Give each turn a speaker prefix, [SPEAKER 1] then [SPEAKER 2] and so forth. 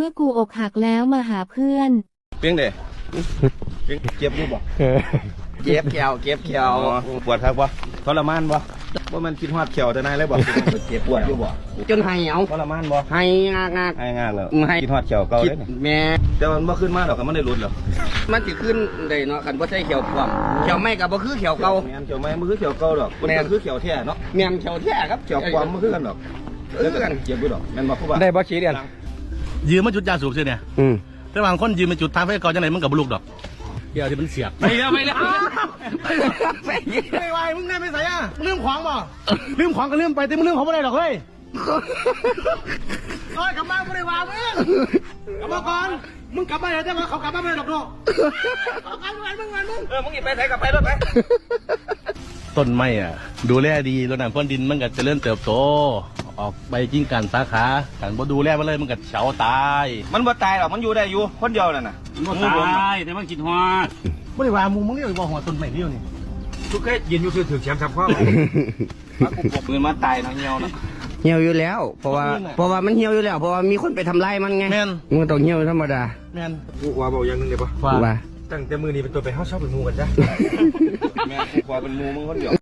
[SPEAKER 1] มื่อกูอกหักแล้วมาหาเพื่อน
[SPEAKER 2] เพียงเด้เจ็บอยู่บ่
[SPEAKER 3] เก็บเขียว
[SPEAKER 2] ปวดครับบ่ทรมานบ่ว่ามันคิดฮอดเขียวแต่นายเลยบ่เจ็บปวดอยู่บ่
[SPEAKER 3] จนไห้เอา
[SPEAKER 2] ทรมานบ่
[SPEAKER 3] ไห้งาก
[SPEAKER 2] แล้วคิดฮอดเขียวเก่าเลย
[SPEAKER 3] แม่
[SPEAKER 2] แต่มันบ่ขึ้นมาดอกก็มันได้รุดหรอก
[SPEAKER 3] มันสิขึ้นได้เนาะคันบ่ใช่เขียวพร้อมเขียวไม่ก็บ่คือเขียวเก่า
[SPEAKER 2] แม่นเขียวไม่มันคือเขียวเก่าดอกมันก็คือเขียวแท้เนาะ
[SPEAKER 3] แม่นเขียวแท้ครับ
[SPEAKER 2] เขียวความมันคือกันดอกแล้วก็เจ็บอยู่ดอกแม่นบ่ครูบา
[SPEAKER 3] ได้บ่ขี้เดียน
[SPEAKER 4] ยืมมาจุดยาสูบใช่เนี่ยแต่บางคนยืมมาจุดทางไฟก่อนจังไหนมันกับบลูกดอกเดี๋ยวที่มันเสียบไม่แล้วไม่ไหวมึงได้ไม่ใส่อ่ะลืมของบ่ลืมของก็ลืมไปแต่มึงลืมของไม่ได้หรอกเฮ้ยโอ้ยกลับบ้านไม่ได้วางมึงกลับมาก่อนมึงกลับบ้านแต่ว่าเขากลับบ้านไม่ได้หรอกเนาะ
[SPEAKER 3] มึงไปไหนกลับไปรถไป
[SPEAKER 4] ต้นไม้อ่ะดูแลดีรดน้ำพ่นดินมันก็จะเริ่มเติบโตออกใบกิ้งกันสาขากันบ่ดูแลมันเลยมันก็เฉาตาย
[SPEAKER 2] มันบ่ตายหรอกมันอยู่ได้อยู่คนเดียวนั่นน่ะ
[SPEAKER 4] มันตายแต่มันกินหัวไม่ได้ว่ามึงเรียกว่าหัวต้นไม้เดียวนี่
[SPEAKER 2] ทุกแค่ยืนอยู่ถือแชมป์ทับข้อมากูปกปืนมาตายนะเหี่ยวนะ
[SPEAKER 3] เหี่ยวอยู่แล้วเพราะว่ามันเหี่ยวอยู่แล้วเพราะว่ามีคนไปทำลายมันไงมันต้องเหี่ยวธรรมดา
[SPEAKER 4] แม่น
[SPEAKER 2] กูว่าบอกอย่างนึงเลยปะ
[SPEAKER 3] ว่า
[SPEAKER 2] ตั้งแต่มือนี้เป็นตัวไปเข้าชอบเป็นมูกันจ้ะแม่กูว่าเป็นมูมึงคนเดียว